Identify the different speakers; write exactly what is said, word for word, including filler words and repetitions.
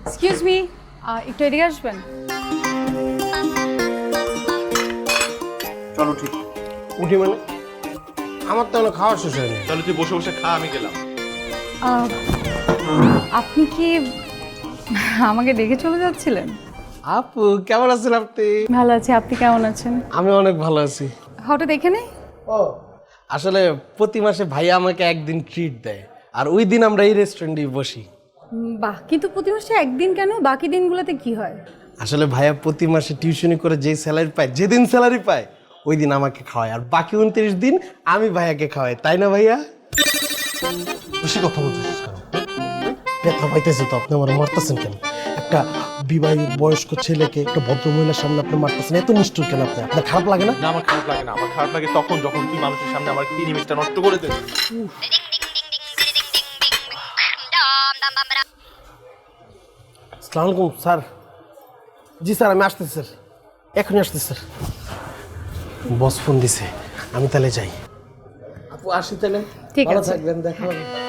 Speaker 1: Excuse me, একটু এদিকে আসবেন?
Speaker 2: চলো ঠিক
Speaker 3: উঠি মানে আমার তো এখনো খাওয়া শেষ হয়নি।
Speaker 2: চলো তুই বসে বসে খা, আমি গেলাম।
Speaker 1: আহ, আপনি কি আমাকে দেখে চলে যাচ্ছিলেন?
Speaker 3: আপু কেমন আছেন আপনি?
Speaker 1: ভালো আছি, আপনি কেমন আছেন?
Speaker 3: আমি অনেক ভালো আছি।
Speaker 1: হঠাৎ এখানে?
Speaker 3: ও আসলে প্রতি মাসে ভাইয়া আমাকে একদিন ট্রিট দেয়, আর ওই দিন আমরা এই রেস্টুরেন্টে বসি।
Speaker 1: উম, বাহ, কিন্তু প্রতি মাসে একদিন কেন? বাকি দিনগুলোতে কি হয়?
Speaker 3: আসলে ভাইয়া প্রতি মাসে টিউশনি করে যেই স্যালারি পায়, যেদিন স্যালারি পায় ওই দিন আমাকে খাওয়ায়, আর বাকি উনত্রিশ দিন আমি ভাইয়াকে খাওয়াই, তাই না ভাইয়া?
Speaker 2: বেশি কথা বলছিস কেন?
Speaker 3: ব্যথা পাইতেছি তো, আপনি আমার মারতেছেন কেন? একটা বিবাহিত বয়স্ক ছেলেকে একটা ভদ্র মহিলার সামনে আপনি মারতেছেন, এত নিষ্ঠুর কেন আপনি? আপনার খারাপ লাগে না?
Speaker 2: না, আমার খারাপ লাগে না। আমার খারাপ লাগে তখন যখন তুই মানুষের সামনে আমার ইমেজটা নষ্ট করে দিস।
Speaker 3: আসসালামু আলাইকুম স্যার। জি স্যার, আমি আসতেছি স্যার, এখনই আসতেছি স্যার। বস ফোন দিছে, আমি তাহলে যাই। আপু আসি তাহলে,
Speaker 1: ঠিক
Speaker 3: ভালো
Speaker 1: আছে।
Speaker 3: থাকবেন, দেখা হবে।